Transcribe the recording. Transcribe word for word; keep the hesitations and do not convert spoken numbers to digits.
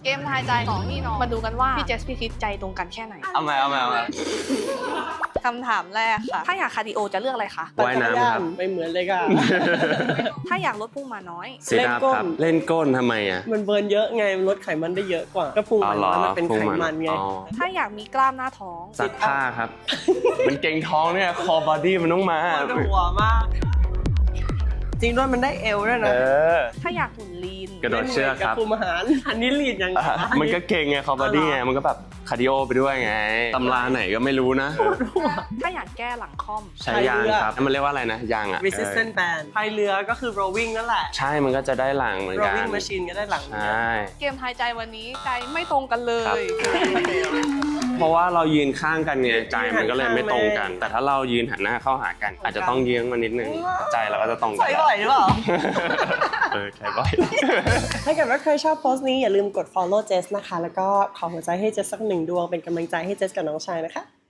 เกมทายใจสองพี่น้องมาดูกันว่าพี่เจสพี่คิดใจตรงกันแค่ไหนเอามาเอามาเอามาคำถามแรกค่ะถ้าอยากคาร์ดิโอจะเลือกอะไรคะว่ายน้ำครับไม่เหมือนเลยค่ะถ้าอยากลดพุงมาน้อยเซตอัพครับเล่นก้นทำไมอ่ะมันเบิร์นเยอะไงมันลดไขมันได้เยอะกว่าก็พุงมันน้อยมันเป็นไขมันไงถ้าอยากมีกล้ามหน้าท้องซักผ้าครับ มันเก่งท้องเนี่ยคอบอดี้มันต้องมาปวดหัวมาก จริงด้วยมันได้เอวด้วยเอนะอถ้าอยากหุ่นลีนกระโดดเชือกครับคุมอาหารอันนี้ลีดยังไงมันก็เก่งไงคอบอดี้ไงมันก็แบบคาร์ดิโอไปด้วยไงตำราไหนก็ไม่รู้นะถ้าอยากแก้หลังค่อมใช้ยางครับมันเรียกว่าอะไรนะยางอ่ะ resistant band พายเรือก็คือ rowing นั่นแหละใช่มันก็จะได้หลังเหมือนกัน rowing machine ก็ได้หลังใช่เกมทายใจวันนี้ใจไม่ตรงกันเลยเพราะว่าเรายืนข้างกันไงใจมันก็เลยไม่ตรงกัน แต่ถ้าเรายืนหันหน้าเข้าหากัน อาจจะต้องเยื้องมานิดนึงใจเราก็จะตรงกันใส่บ่อยหรือเปล่าเออใช่บ่อยถ้าเกิดว่าใครชอบโพสต์นี้อย่าลืมกด follow Jess นะคะ แล้วก็ขอหัวใจให้ Jess สักหนึ่งดวงเป็นกำลังใจให้ Jess กับน้องชายนะคะ